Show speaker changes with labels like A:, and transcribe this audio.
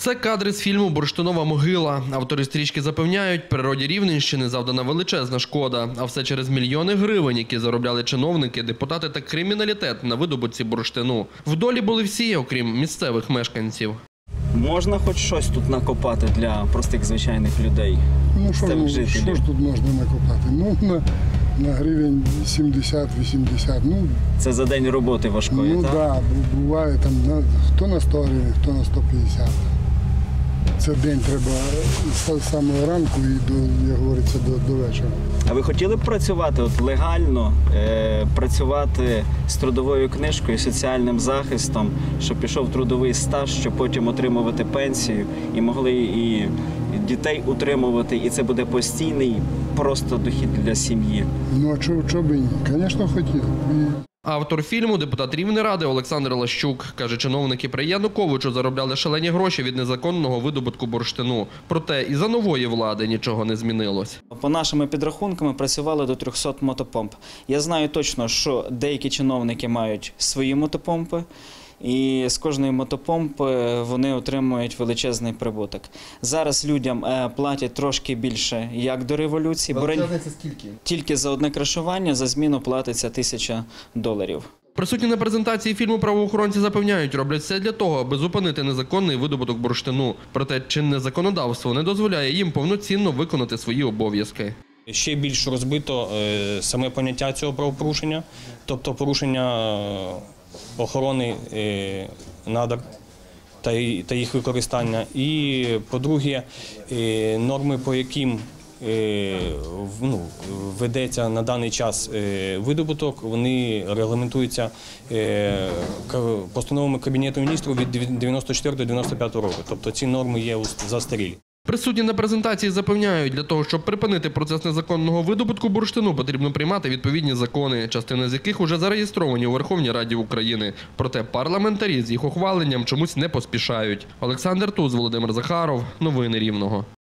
A: Це кадри з фільму «Бурштинова могила». Автори стрічки запевняють, природі Рівненщини завдана величезна шкода. А все через мільйони гривень, які заробляли чиновники, депутати та криміналітет на видобутці бурштину. В долі були всі, окрім місцевих мешканців.
B: Можна хоч щось тут накопати для простих звичайних людей?
C: Ну що ж тут можна накопати? Ну, на гривень 70-80. Ну,
B: це за день роботи важкої, так?
C: Ну так, буває там, хто на 100 гривень, хто на 150. Це день треба з самого ранку і, як говориться, до вечора.
B: А ви хотіли б працювати легально, працювати з трудовою книжкою, соціальним захистом, щоб пішов трудовий стаж, щоб потім отримувати пенсію і могли і дітей утримувати, і це буде постійний просто дохід для сім'ї?
C: Ну а чого б і ні? Звісно, хотів.
A: Автор фільму – депутат Рівнеради Олександр Лащук. Каже, чиновники при Януковичу заробляли шалені гроші від незаконного видобутку бурштину. Проте і за нової влади нічого не змінилось.
B: По нашими підрахунками працювали до 300 мотопомп. Я знаю точно, що деякі чиновники мають свої мотопомпи. І з кожної мотопомпи вони отримують величезний прибуток. Зараз людям платять трошки більше, як до революції.
A: Скільки?
B: Тільки за одне крашування за зміну платиться $1000.
A: Присутні на презентації фільму правоохоронці запевняють, роблять все для того, аби зупинити незаконний видобуток бурштину. Проте чинне законодавство не дозволяє їм повноцінно виконати свої обов'язки.
D: Ще більш розбито саме поняття цього правопорушення, тобто порушення охорони надр та їх використання. І, по-друге, норми, по яким ведеться на даний час видобуток, вони регламентуються постановами Кабінету міністрів від 94 до 95 року. Тобто ці норми є застарілі.
A: Присутні на презентації запевняють, для того, щоб припинити процес незаконного видобутку бурштину, потрібно приймати відповідні закони, частина з яких уже зареєстровані у Верховній Раді України. Проте парламентарі з їх ухваленням чомусь не поспішають. Олександр Туз, Володимир Захаров. Новини Рівного.